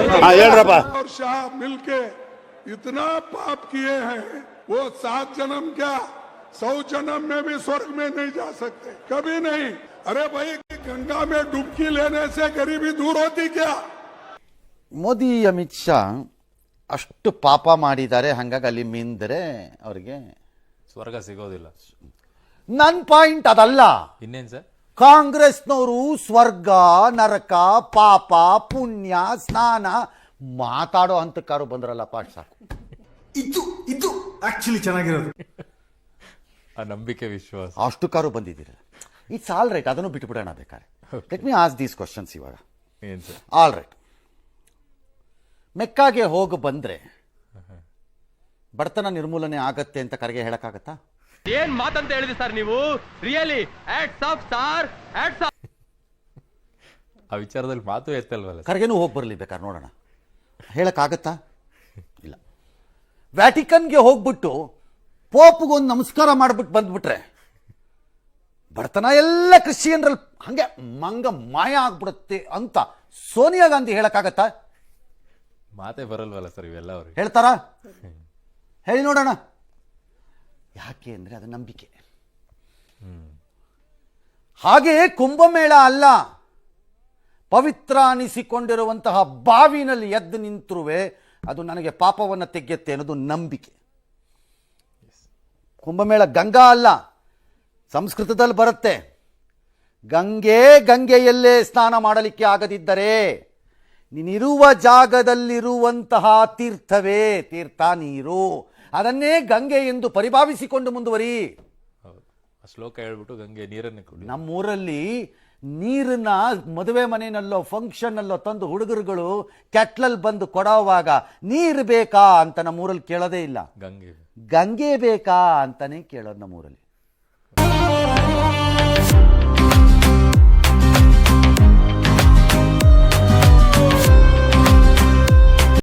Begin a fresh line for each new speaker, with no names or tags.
ಹೇಳ್ರಪ್ಪ.
और शाह मिलके इतना पाप किए हैं, वो 7 जन्म क्या 100 जन्म में भी स्वर्ग में नहीं जा सकते, कभी नहीं। अरे भाई, गंगा में डुबकी लेने से गरीबी दूर होती क्या?
ಮೋದಿ ಅಮಿತ್ ಶಾ ಅಷ್ಟು ಪಾಪ ಮಾಡಿದ್ದಾರೆ, ಹಂಗಾಗಿ ಅಲ್ಲಿ ಮಿಂದರೆ ಅವ್ರಿಗೆ
ಸ್ವರ್ಗ ಸಿಗೋದಿಲ್ಲ.
ನನ್ನ ಪಾಯಿಂಟ್ ಅದಲ್ಲ.
ಇನ್ನೇನ್ ಸರ್?
ಕಾಂಗ್ರೆಸ್ನವರು ಸ್ವರ್ಗ ನರಕ ಪಾಪ ಪುಣ್ಯ ಸ್ನಾನ ಮಾತಾಡೋ ಹಂತಕ್ಕಾರು ಬಂದ್ರಲ್ಲ ಪಾಠ ಸಾಕು.
ಇದು ಆಕ್ಚುಲಿ ಚೆನ್ನಾಗಿರೋದು.
ಆ ನಂಬಿಕೆ ವಿಶ್ವಾಸ
ಅಷ್ಟು ಕಾರು ಬಂದಿದ್ದೀರಲ್ಲ, ಇಟ್ಸ್ ಆಲ್ ರೈಟ್. ಅದನ್ನು ಬಿಟ್ಬಿಡೋಣ ಬೇಕಾರೆ. Let me ask these questions ಇವಾಗ.
ಏನ್ ಸರ್?
ಆಲ್ ರೈಟ್, ಮೆಕ್ಕಾಗೆ ಹೋಗಿ ಬಂದ್ರೆ ಬಡತನ ನಿರ್ಮೂಲನೆ ಆಗತ್ತೆ ಅಂತ ಕರೆಗೆ ಹೇಳಕ್ಕಾಗತ್ತಾ?
ಏನ್ ಮಾತಂತ ಹೇಳಿದ್ರಿ ಸರ್ ನೀವು? Really hats off sir, hats off.
ಆ ವಿಚಾರದಲ್ಲಿ ಮಾತು ಎತ್ತಲ್ವಲ್ಲ.
ಕರೆಗೆನೂ ಹೋಗಿ ಬರಲಿ ಬೇಕಾದ್ರೆ ನೋಡೋಣ, ಹೇಳಕ್ಕಾಗತ್ತಾ? ಇಲ್ಲ. ವ್ಯಾಟಿಕನ್ಗೆ ಹೋಗ್ಬಿಟ್ಟು ಪೋಪ್ಗೊಂದು ನಮಸ್ಕಾರ ಮಾಡ್ಬಿಟ್ಟು ಬಂದ್ಬಿಟ್ರೆ ಬಡತನ ಎಲ್ಲ ಕ್ರಿಶ್ಚಿಯನ್ರಲ್ಲಿ ಹಂಗೆ ಮಂಗ ಮಾಯ ಆಗ್ಬಿಡುತ್ತೆ ಅಂತ ಸೋನಿಯಾ ಗಾಂಧಿ ಹೇಳಕ್ಕಾಗತ್ತಾ?
ಮಾತೇ ಬರಲ್ವಲ್ಲ ಸರ್ ಇವೆಲ್ಲ ಅವ್ರಿಗೆ.
ಹೇಳ್ತಾರಾ? ಹೇಳಿ ನೋಡೋಣ. ಯಾಕೆ ಅಂದರೆ ಅದು ನಂಬಿಕೆ. ಹಾಗೆಯೇ ಕುಂಭಮೇಳ ಅಲ್ಲ, ಪವಿತ್ರ ಅನಿಸಿಕೊಂಡಿರುವಂತಹ ಬಾವಿನಲ್ಲಿ ಎದ್ದು ನಿಂತರುವೆ ಅದು ನನಗೆ ಪಾಪವನ್ನು ತೆಗೆಯುತ್ತೆ ಅನ್ನೋದು ನಂಬಿಕೆ. ಕುಂಭಮೇಳ ಗಂಗಾ ಅಲ್ಲ, ಸಂಸ್ಕೃತದಲ್ಲಿ ಬರುತ್ತೆ. ಗಂಗೆಯಲ್ಲೇ ಸ್ನಾನ ಮಾಡಲಿಕ್ಕೆ ಆಗದಿದ್ದರೆ ನೀನಿರುವ ಜಾಗದಲ್ಲಿರುವಂತಹ ತೀರ್ಥ ನೀರು, ಅದನ್ನೇ ಗಂಗೆ ಎಂದು ಪರಿಭಾವಿಸಿಕೊಂಡು ಮುಂದುವರಿ.
ಶ್ಲೋಕ ಹೇಳ್ಬಿಟ್ಟು ಗಂಗೆ ನೀರನ್ನು ಕೊಡಿ.
ನಮ್ಮೂರಲ್ಲಿ ನೀರನ್ನ ಮದುವೆ ಮನೆಯಲ್ಲೋ ಫಂಕ್ಷನ್ನಲ್ಲೋ ತಂದು ಹುಡುಗರುಗಳು ಕೆಟ್ಲಲ್ಲಿ ಬಂದು ಕೊಡೋವಾಗ ನೀರು ಬೇಕಾ ಅಂತ ನಮ್ಮೂರಲ್ಲಿ ಕೇಳೋದೇ ಇಲ್ಲ, ಗಂಗೆ ಬೇಕಾ ಅಂತಾನೆ ಕೇಳೋದು ನಮ್ಮೂರಲ್ಲಿ.